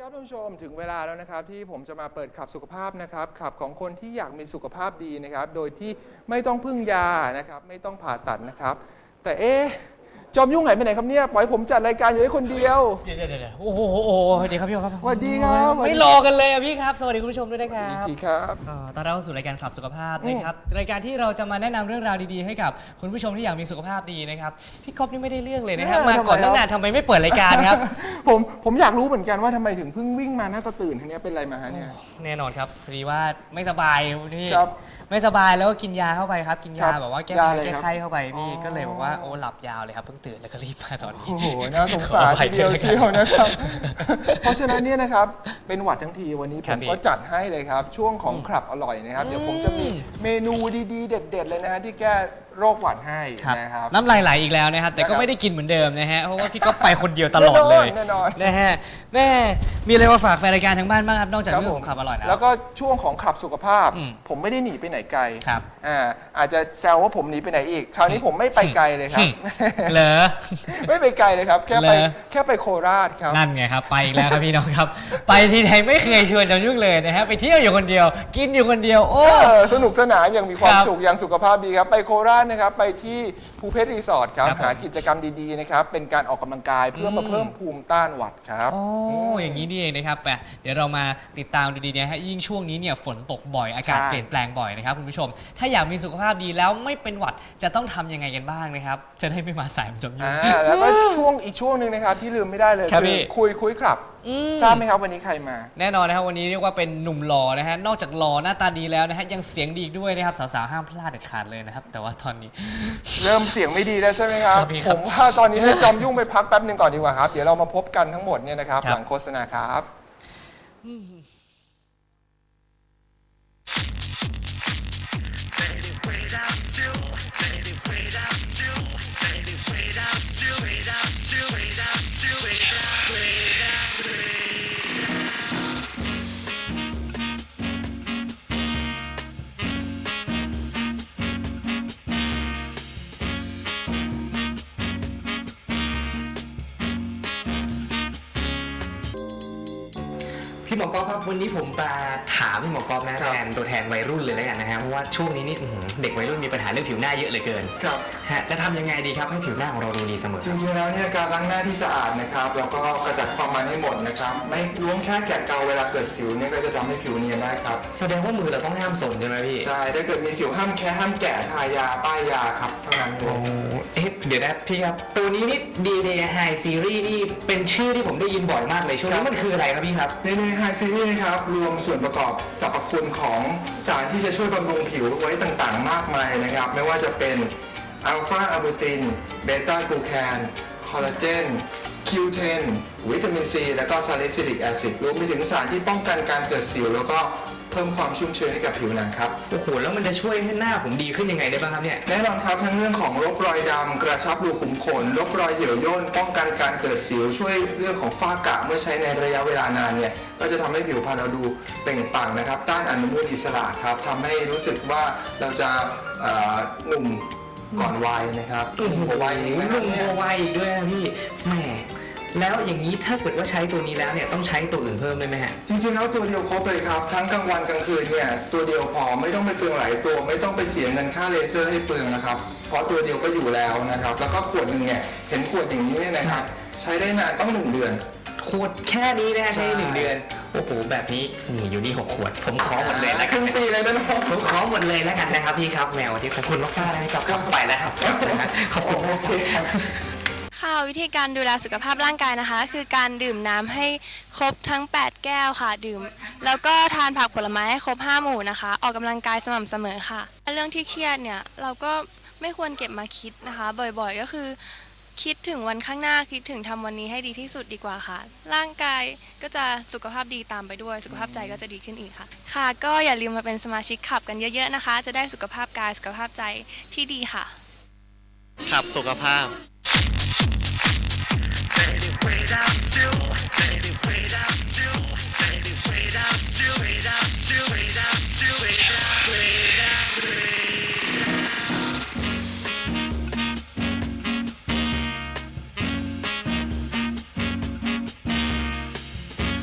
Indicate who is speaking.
Speaker 1: ครับท่านผู้ชมถึงเวลาแล้วนะครับที่ผมจะมาเปิดขับสุขภาพนะครับขับของคนที่อยากมีสุขภาพดีนะครับโดยที่ไม่ต้องพึ่งยานะครับไม่ต้องผ่าตัดนะครับแต่จอมยุ่งหายไปไหนครับเนี่ยปล่อยผมจัดรายการอยู่ได้คนเดียว
Speaker 2: เดี๋ยวโอ้โหสวัสดีครับพี่ครับ
Speaker 1: สวัสดีครับ
Speaker 2: ไม่รอกันเลยพี่ครับสวัสดีคุณผู้ชมด้วยนะครับ
Speaker 1: สวัสดีครับ
Speaker 2: ตอนเราเข้าสู่รายการขับสุขภาพนะครับรายการที่เราจะมาแนะนำเรื่องราวดีๆให้กับคุณผู้ชมที่อยากมีสุขภาพดีนะครับพี่ก๊อฟนี่ไม่ได้เรื่องเลยนะครับมาก่อนตั้งนานทำไมไม่เปิดรายการครับ
Speaker 1: ผมอยากรู้เหมือนกันว่าทำไมถึงเพิ่งวิ่งมาหน้าตาตื่นทีนี้เป็นอะไรมาฮะเนี่ย
Speaker 2: แน่นอนครับพอดีว่าไม่สบายพี่
Speaker 1: ครับ
Speaker 2: ไม่สบายแล้วก็กินยาเข้าไปครับกินยาแบบว่าแก้ไข้เข้าไปพี่ก็เลยบอกว่าโอ้หลับยาวเลยครับเพิ่งตื่นแล้วก็รีบมาตอนนี้
Speaker 1: โอ้โหน่าสงสารทีเดียวเชียวนะครับเพราะฉะนั้นเนี่ยนะครับเป็นหวัดทั้งทีวันนี้ผมก็จัดให้เลยครับช่วงของขับอร่อยนะครับเดี๋ยวผมจะมีเมนูดีๆเด็ดๆเลยนะฮะที่แก้โรคหวัดให้นะครับ
Speaker 2: น้ำลายไหลอีกแล้วนะครับแต่ก็ไม่ได้กินเหมือนเดิมนะฮะเพราะว่าพี่ก็ไปคนเดียวตลอดเลย
Speaker 1: แน่นอน
Speaker 2: นะฮะแม่มีอะไรมาฝากแฟนรายการทางบ้านบ้างครับนอกจากเรื่องของขับอร่อย
Speaker 1: แล้วก็ช่วงของขับสุขภาพผมไม่ได้หนีไปไหนไกล
Speaker 2: ครับ
Speaker 1: อาจจะแซวว่าผมหนีไปไหนอีกคราวนี้ผมไม่ไปไกลเลยครับ
Speaker 2: เหรอ
Speaker 1: ไม่ไปไกลเลยครับแค่ไปโคราชครับ
Speaker 2: นั่นไงครับไปอีกแล้วครับพี่น้องครับไปที่ไหนไม่เคยชวนจอมยุ่งเลยนะฮะไปเที่ยวอยู่คนเดียวกินอยู่คนเดียวโอ้
Speaker 1: สนุกสนานอย่างมีความสุขอย่างสุขภาพดีครับไปโคราชนะครับไปที่ภูเพชรรีสอร์ทครับหากิจกรรมดีๆนะครับเป็นการออกกำลังกายเพื่อมาเพิ่มภูมิต้านหวัดครับ
Speaker 2: โอ้อย่างนี้นี่เองนะครับไปเดี๋ยวเรามาติดตามดูดีๆฮะยิ่งช่วงนี้เนี่ยฝนตกบ่อยอากาศเปลี่ยนแปลงบ่อยนะครับคุณผู้ชมถ้าอยากมีสุขภาพดีแล้วไม่เป็นหวัดจะต้องทำยังไงกันบ้างนะครับจะได้ไม่มาสายจมยุ่ง
Speaker 1: แล้วก็อีกช่วงหนึ่งนะครับที่ลืมไม่ได้เลยคือคุยครับทราบไหมครับวันนี้ใครมา
Speaker 2: แน่นอนนะครับวันนี้เรียกว่าเป็นหนุ่มหล่อนะฮะนอกจากหล่อหน้าตาดีแล้วนะฮะยังเสียงดีด้วยนะครับสาวๆห้ามพลาดเด็ดขาดเลยนะครับแต่ว่าตอนนี้
Speaker 1: เริ่มเสียงไม่ดีแล้วใช่ไหมครับผมว่าตอนนี้ให้จอมยุ่งไปพักแป๊บนึงก่อนดีกว่าครับเดี๋ยวเรามาพบกันทั้งหมดเนี่ยนะครับหลังโฆษณาครับ
Speaker 3: พี่หมอกอล์ฟครับวันนี้ผมมาถามพี่หมอกอล์ฟนะแทนตัวแทนวัยรุ่นเลยแล้วกันนะฮะเพราะว่าช่วงนี้นี่เด็กวัยรุ่นมีปัญหาเรื่องผิวหน้าเยอะเหลือเกิน
Speaker 1: ครับ
Speaker 3: จะทำยังไงดีครับให้ผิวหน้าของเราดูดีเสมอ
Speaker 1: จริงๆแล้วเนี่ยการล้างหน้าที่สะอาดนะครับแล้วก็กระจัดความมันให้หมดนะครับไม่ล้วงแค่แกะเกาเวลาเกิดสิวเนี่ยก็จะทำให้ผิวเนียนได้ครับ
Speaker 3: แสดงว่ามือเราต้องห้ามส่งใช่ไหมพี่
Speaker 1: ใช่ถ้าเกิดมีสิวห้ามแกะทายาป้ายยาครับเท่านั้นเอง
Speaker 3: เดี๋ยวนะพี่ครับตัวนี้นี่ DNA High Series นี่เป็นชื่อที่ผมได้ยินบ่อยมากเลยช่วงนี้มันคืออะไรครับพี่ครับ
Speaker 1: DNA High Series นะครับรวมส่วนประกอบสรรพคุณของสารที่จะช่วยบำรุงผิวไว้ต่างๆมากมายนะครับไม่ว่าจะเป็นอัลฟาอะบูตินเบต้ากลูแคนคอลลาเจนQ10 วิตามินซีและก็ซาลิซิลิกแอซิดรวมไปถึงสารที่ป้องกันการเกิดสิวแล้วก็เพิ่มความชุ่มชื้นให้กับผิวหนังครับ
Speaker 3: โอ้โหแล้วมันจะช่วยให้หน้าผมดีขึ้นยังไงได้บ้างครับเนี่ย
Speaker 1: แน่นอนครับทั้งเรื่องของลบรอยดำกระชับรูขุมขนลบรอยเหี่ยวย่นป้องกันการเกิดสิวช่วยเรื่องของฝ้ากระเมื่อใช้ในระยะเวลานานเนี่ยก็จะทำให้ผิวพรรณเราดูเปล่งปลั่งนะครับต้านอนุมูลอิสระครับทำให้รู้สึกว่าเราจะหนุ่มก่อนวัยนะครับ
Speaker 3: หนุ่มกว่าวัยอีกนะครับหนุ่มกว่าวัยอีกด้วยพี่แหมแล้วอย่างนี้ถ้าเกิดว่าใช้ตัวนี้แล้วเนี่ยต้องใช้ตัวอื่นเพิ่มเลยไหมฮะ
Speaker 1: จริงๆแล้วตัวเดียวครบเลยครับทั้งกลางวันกลางคืนเนี่ยตัวเดียวพอไม่ต้องไปเปลืองหลายตัวไม่ต้องไปเสียเงินค่าเลเซอร์ให้เปลืองนะครับเพราะตัวเดียวก็อยู่แล้วนะครับแล้วก็ขวดหนึ่งเนี่ยเห็นขวดอย่างนี้เนี่ยนะครับใช้ได้นานต้อง1 เดือน
Speaker 3: ขวดแค่นี้นะใช้1 เดือนโอ้โหแบบนี้นี่อยู่นี่6 ขวดผมขอหมดเลยแล้ว
Speaker 1: ครึ่งปีเลยนะ
Speaker 3: ผมขอหมดเลยแล้วกันนะครับพี่ครับแมวที่ขอบคุณมากๆนะครับกลับไปแล้วครับขอบคุณ
Speaker 1: โอเคครับ
Speaker 4: ค่ะวิธีการดูแลสุขภาพร่างกายนะคะคือการดื่มน้ำให้ครบทั้ง8 แก้วค่ะดื่มแล้วก็ทานผักผลไม้ให้ครบ5 หมู่นะคะออกกำลังกายสม่ำเสมอค่ะเรื่องที่เครียดเนี่ยเราก็ไม่ควรเก็บมาคิดนะคะบ่อยๆก็คือคิดถึงวันข้างหน้าคิดถึงทำวันนี้ให้ดีที่สุดดีกว่าค่ะร่างกายก็จะสุขภาพดีตามไปด้วยสุขภาพใจก็จะดีขึ้นอีกค่ะค่ะก็อย่าลืมมาเป็นสมาชิกขับกันเยอะๆนะคะจะได้สุขภาพกายสุขภาพใจที่ดีค่ะ
Speaker 5: ขับสุขภาพ